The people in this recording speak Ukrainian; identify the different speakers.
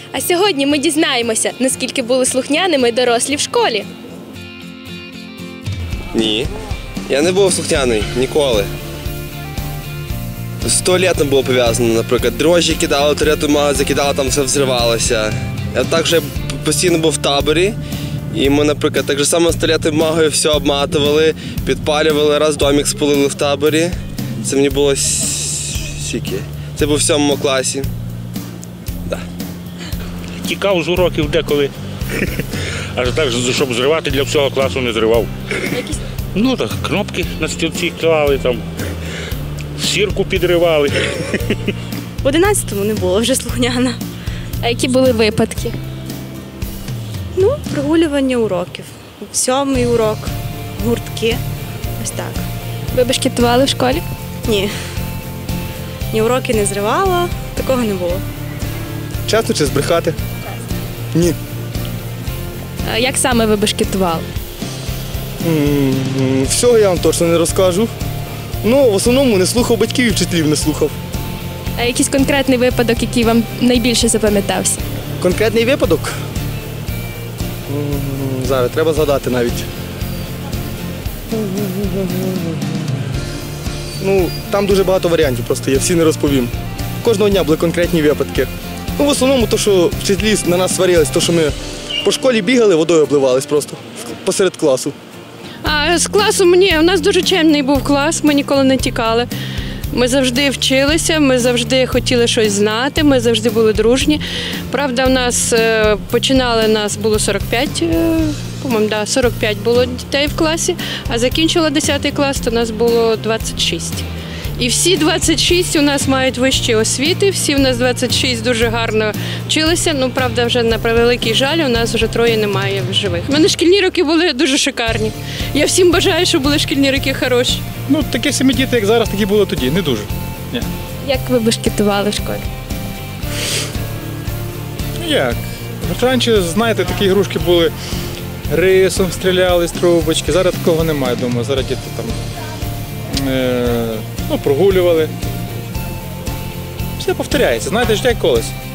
Speaker 1: А сьогодні ми дізнаємося, наскільки були слухняними дорослі в школі.
Speaker 2: Ні, я не був слухняний ніколи. З туалетом було пов'язано, наприклад. Дрожжі кидали, туалетну бумагу закидали, там все взривалося. Я також постійно був в таборі. І ми, наприклад, так само з туалетною бумагою все обматували, підпалювали, раз домик спалили в таборі. Це мені було скільки? Це був в 7 класі. Да.
Speaker 3: Тікав з уроків деколи. Аж так, щоб зривати, для всього класу не зривав. Ну так, кнопки на стільці клали, там, сірку підривали.
Speaker 4: В 11-му не було вже слухняна.
Speaker 1: А які були випадки?
Speaker 4: Ну, прогулювання уроків. 7-й урок, гуртки. Ось так.
Speaker 1: Ви бешкетували в школі?
Speaker 4: Ні. Ні уроки не зривала, такого не було.
Speaker 5: Чесно чи збрехати? Ні.
Speaker 1: А як саме ви бешкетували?
Speaker 5: Всього я вам точно не розкажу. Ну, в основному не слухав батьків і вчителів не слухав.
Speaker 1: А якийсь конкретний випадок, який вам найбільше запам'ятався?
Speaker 5: Конкретний випадок? Зараз треба згадати навіть. Ну, там дуже багато варіантів просто, я всі не розповім. Кожного дня були конкретні випадки. Ну, в основному, то, що вчителі на нас сварились, то, що ми по школі бігали, водою обливались просто посеред класу.
Speaker 6: А з класом ні, у нас дуже чемний був клас, ми ніколи не тікали. Ми завжди вчилися, ми завжди хотіли щось знати, ми завжди були дружні. Правда, у нас нас було 45, по-моєму, 45 було дітей в класі, а закінчила 10 клас, то нас було 26. І всі 26 у нас мають вищі освіти, всі у нас 26 дуже гарно вчилися. Ну, правда, вже на превеликий жаль, у нас вже 3 немає в живих. У мене шкільні роки були дуже шикарні. Я всім бажаю, щоб були шкільні роки хороші.
Speaker 7: Ну, такі самі діти, як зараз, такі були тоді, не дуже. Ні.
Speaker 1: Як ви бешкетували в школі?
Speaker 7: Ну як? Раніше, знаєте, такі ігрушки були, рисом стріляли з трубочки, зараз такого немає, думаю, зараз діти там прогулювали. Все повторяється, знаєте, життя як колись.